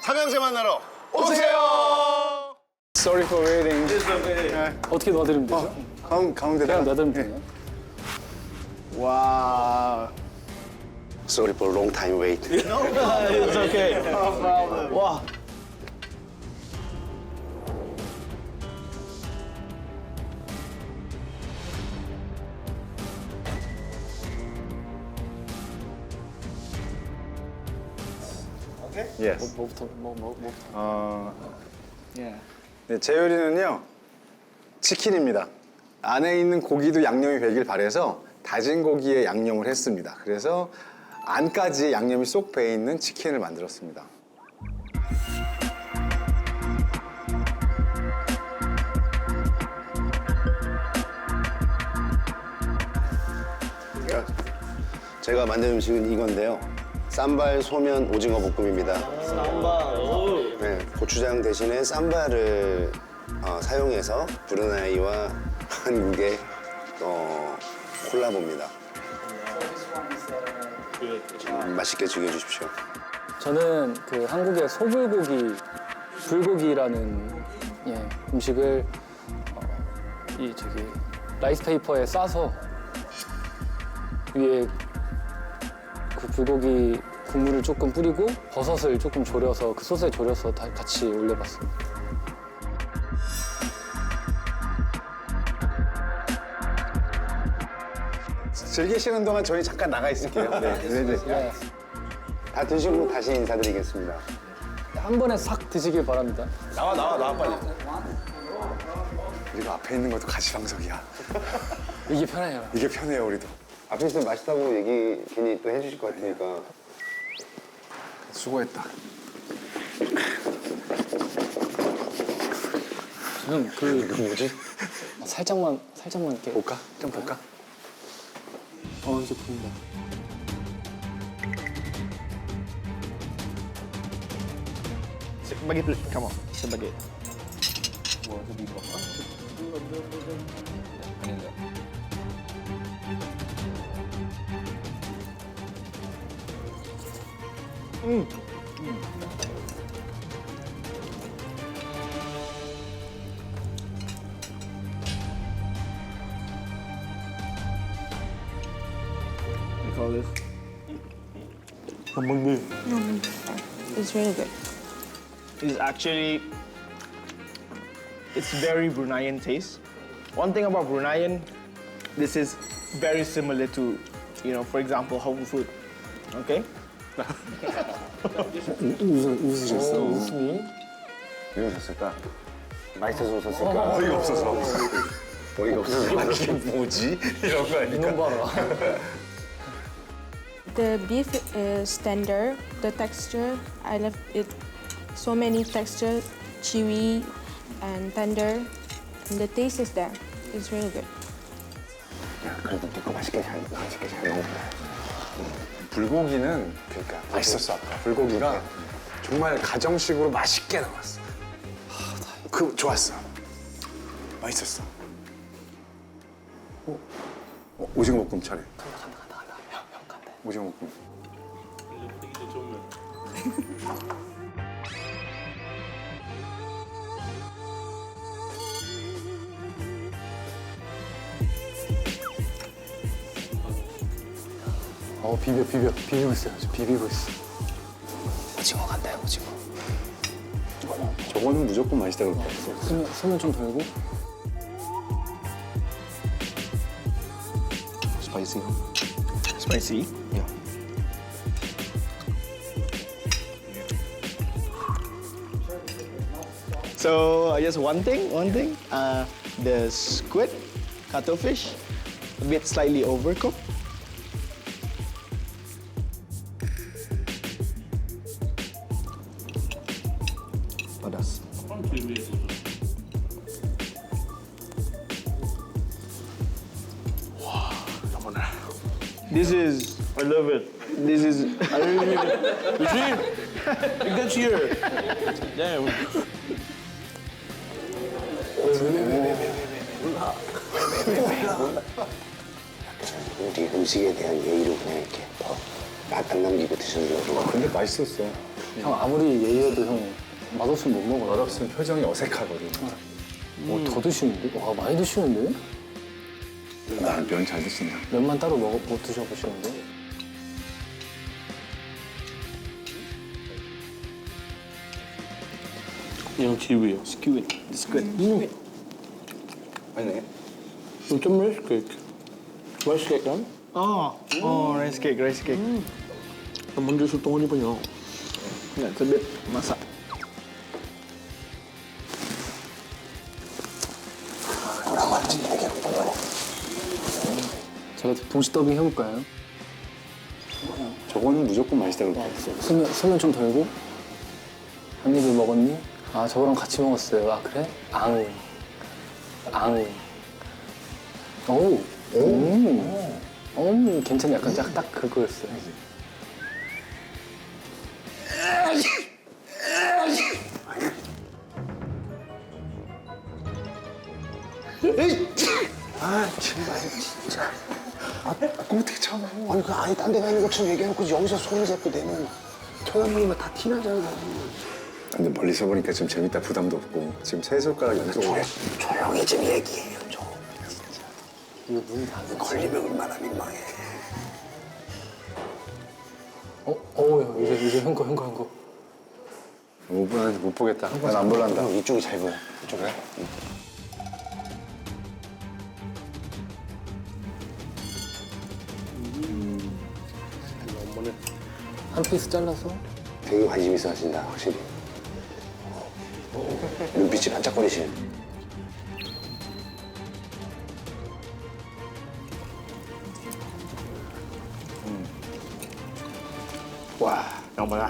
삼형제 만나러 오세요. Sorry for waiting. 어떻게 놔드리면 되죠? 가운데다. 그냥 놔드리면 되나요? 와. Sorry for long time wait. It's okay. 와. Yes. 뭐부터? 예. 네, 제 요리는요 치킨입니다. 안에 있는 고기도 양념이 배길 바래서 다진 고기에 양념을 했습니다. 그래서 안까지 양념이 쏙 배 있는 치킨을 만들었습니다. 제가 만든 음식은 이건데요. 쌈발 소면 오징어 볶음입니다. 네, 고추장 대신에 쌈발을 사용해서 브루나이와 한국의 콜라보입니다. 맛있게 즐겨주십시오. 저는 그 한국의 소불고기, 불고기라는 음식을 라이스 페이퍼에 싸서 위에 그 불고기 국물을 조금 뿌리고 버섯을 조금 졸여서 그 소스에 졸여서 같이 올려봤습니다. 즐기시는 동안 저희 잠깐 나가 있을게요. 네. 네. 다 드시고 다시 인사드리겠습니다. 한 번에 싹 드시길 바랍니다. 나와 빨리. 그리고 앞에 있는 것도 가시방석이야. 이게 편해요. 이게 편해요 우리도. 앞에 있으면 맛있다고 얘기 괜히 또 해주실 것 같으니까. 수고했다. 지금 이거 뭐지? 살짝만 이렇게. 볼까? 좀 볼까? 이제 보인다. Spaghetti, come on. Spaghetti. We call this. It's really good. It's actually, it's very Bruneian taste. One thing about Bruneian, this is very similar to, for example, home food. Okay? 웃으셨어? 웃음이? 왜 웃었을까? 맛있어서 웃었을까? 어이가 없어서. 어이가 없어서. 이게 뭐지? 이런 거 아니까? 이놈 봐라. The beef is tender. The texture, I love it. So many texture, chewy and tender. And the taste is there. It's really good. 야, 그래도 내거 맛있게 잘 먹었다. 불고기는 그러니까 맛있었어 아까. 불고기가 정말 가정식으로 맛있게 나왔어. 그 좋았어. 맛있었어. 오징어 볶음 차례. 간다. 형 간다. 오징어 볶음. 비비고 있어요. 지금 비비고 있어. 오징어 간다요, 오징어. 저거는 무조건 맛있다 그럴 거 없어. 소면 좀 돌고. 스파이시. Spicy? Yeah. So, just one thing. The squid, cuttlefish, a bit slightly overcooked. Padas. This is, I love it. This is, I really, you see? It gets here. Damn. 우리 음식에 대한 예의로 그냥 이렇게 맛 안 남기고 드셔도 되고. 근데 맛있었어. 형 아무리 예의여도 형 맛없으면 못 먹어요. 맛없으면 표정이 어색하거든. 더 드시는데? 와 많이 드시는데? 나는 면 잘 드신다. 면만 따로 못 드셔보시는데? Yang kiwi. Squid. Squid. 아니네. Macam rice cake. Rice cake kan? Oh, rice cake, rice cake. Namun dia sotong ni banyak. Yeah, it's a bit masak. 제가 동시 더빙 해볼까요? 저거는 무조건 맛있다 그럴 것 같아. 소면 좀 덜고 한 입을 먹었니? 아 저거랑 같이 먹었어요. 아 그래? 앙. 오. 괜찮네. 약간 딱 그거였어요. 아 정말 진짜. 그거 어떻게 참아? 아니 그 아예 딴 데 가는 것처럼 얘기해놓고 여기서 손을 잡고 내면 쳐다보면 다 티나잖아. 근데 멀리서 보니까 좀 재밌다 부담도 없고 지금 세 손가락 연속으로 조용히 좀 얘기해요 좀. 이거 눈이 다 됐지. 걸리면 얼마나 민망해. 이제 한 거. 5분 안에 못 보겠다. 난 안 볼란다. 형 이쪽이 잘 보여. 이쪽 그래? 한 피스 잘라서 되게 관심 있어 하신다 확실히. 눈빛이 반짝거리시네. 와, Yang mana?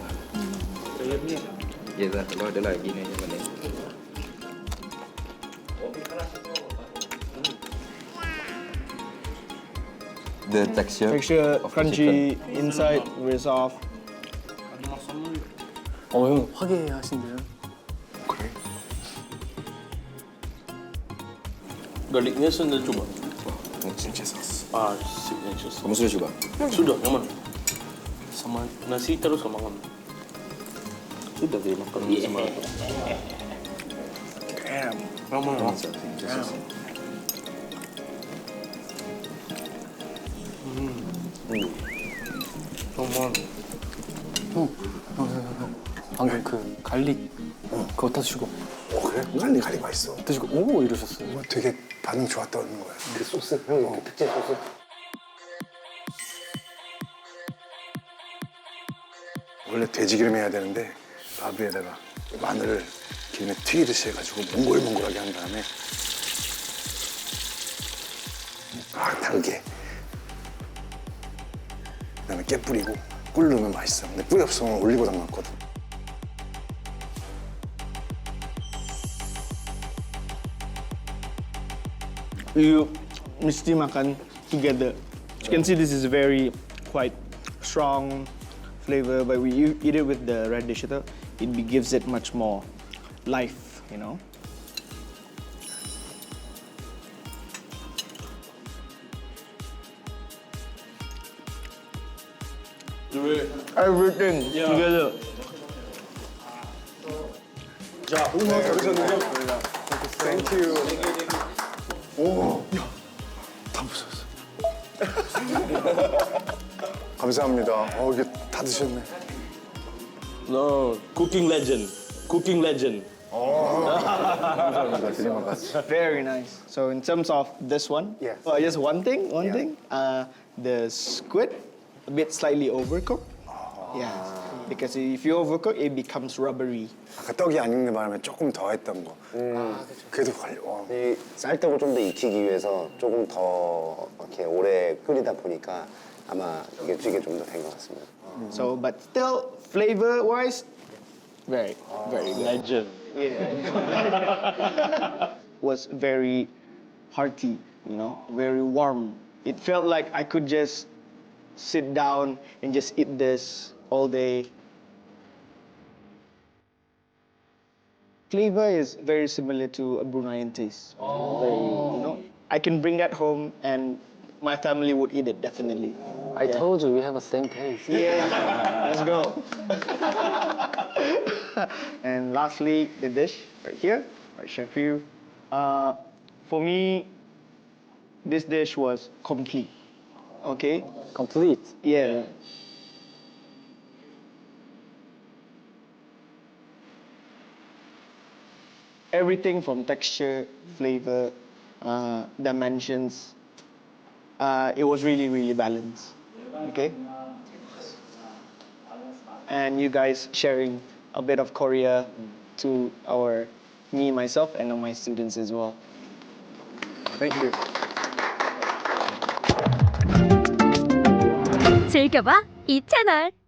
Vậy là coi trở lại gì này cho mình đi. The texture Texture of the crunchy inside, very soft. 형 화기애애하신데요? Garlicnya sudah coba. 진짜 sauce. Ah, signature. Kamu sudah coba? Sudah, yang mana? Sama nasi terus sama makan. Sudah dia makan sama. Damn. Yang mana? Sama. 방금 그 갈릭 그거 다 드시고 그래? 갈리 맛있어. 드시고 오 이러셨어요. 되게 반응 좋았다는 거야. 그 소스, 형 그 특제 소스. 원래 돼지기름 해야 되는데 밥 위에다가 마늘을 기름에 튀기듯이 해가지고 몽골몽골하게 한 다음에 달게. 그다음에 깨 뿌리고 꿀 넣으면 맛있어. 근데 뿌리 없으면 올리고당 넣거든. You mesti makan together. You can see this is very quite strong flavor, but when you eat it with the radish, gives it much more life, you know. Everything together. 땡큐. 오, 야, 다 부셨어. 감사합니다. 이게 다 드셨네. No, cooking legend. Cooking legend. 감사합니다. 드리면 같이. Very nice. So in terms of this one, Yes. just one thing. The squid a bit slightly overcooked. Yeah, because if you overcook, it becomes rubbery. 아까 떡이 안 익는 바람에 조금 더 했던 거. 그래도 이 쌀떡을 좀 더 익히기 위해서 조금 더 이렇게 오래 끓이다 보니까 아마 이게 찌개 좀 더 된 것 같습니다. So, but still, flavor-wise, very good. Legend. Was very hearty, you know, very warm. It felt like I could just sit down and just eat this all day. Flavor is very similar to a Bruneian taste. Very, you know, I can bring that home and my family would eat it definitely. I told you we have the same taste. Yeah, let's go. And lastly, the dish right here, right, Chef Yu. For me, this dish was complete. Okay? complete. Yeah. Everything from texture, flavor, dimensions, it was really, really balanced. Okay? And you guys sharing a bit of Korea to me, myself, and my students as well. Thank you. 즐겨봐 이 채널.